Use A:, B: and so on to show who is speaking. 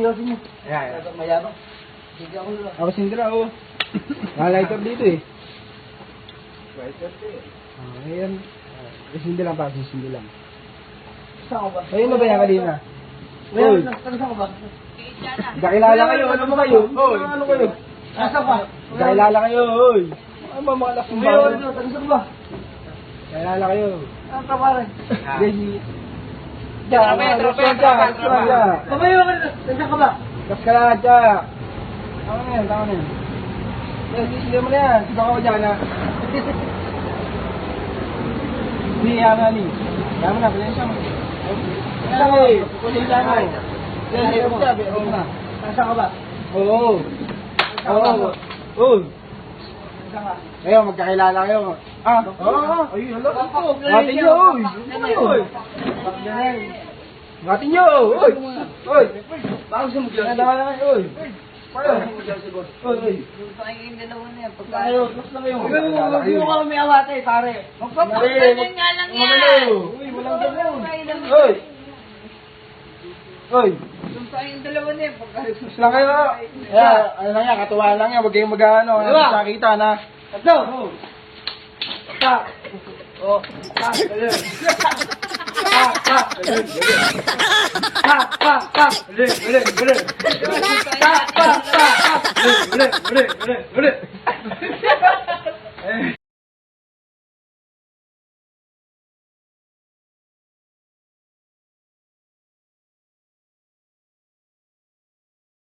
A: yosin mo.
B: Ayan.
A: Mayabang. Sige ako nila.
B: Ako sindra, oh. Naka-lighter dito eh.
A: Lighter eh.
B: Ayan. Sindi lang pa, sindi lang.
A: Saan ko ba?
B: Ayun na ba yan kanina?
A: Meron na. Saan ko ba?
B: Kakilala kayo, ano ba kayo? Oy. Ano kayo?
A: Nasa pa?
B: Kakilala kayo, oy. Ano ba mga laking
A: Meron
B: bago?
A: na. Saan ba?
B: Kakilala kayo.
A: Ang kapare.
B: Gagi. Tropa.
A: Kamayo ka na. Saan ka ba?
B: Kaskalada. Tama na yan, tama na yan. Hindi mo na yan. Sigaw ako dyan, ha? Hindi, yaman ni. Tama na, pasensya mo. Pasensya mo. Pasensya mo. Oo na.
A: Saan ka ba?
B: Oo. Oo. Oo.
A: Saan ka?
B: Ayun, magkakilala kayo. Ah, oo. Ay, hala. Ngati nyo, oy. Oy. Ngati nyo, oy. Oy.
A: Bakit gusto mo dyan?
B: Nadala na kayo, oy.
A: Bakit mo dyan si boss?
B: Oy, oy.
C: Kayong dalawa na yan.
A: Pagka kayo, gusto na kayo. Huwag mo ka may awate, pare.
C: Magpapasalan nga lang yan.
B: Uy, walang ganun. Oy. Oy.
C: Yung kayong dalawa na yan.
B: Gusto lang kayo. Ano lang yan, katuwa lang yan. Huwag kayong mag-ano.
A: Diba?
B: Nakita na.
A: Tatlo! Tak! Oh, tak! Galing! Tak! Tak! Galing! Tak! Tak! Tak! Galing! Galing! Galing! Tak! Tak! Tak! Galing! Galing! Galing! Galing!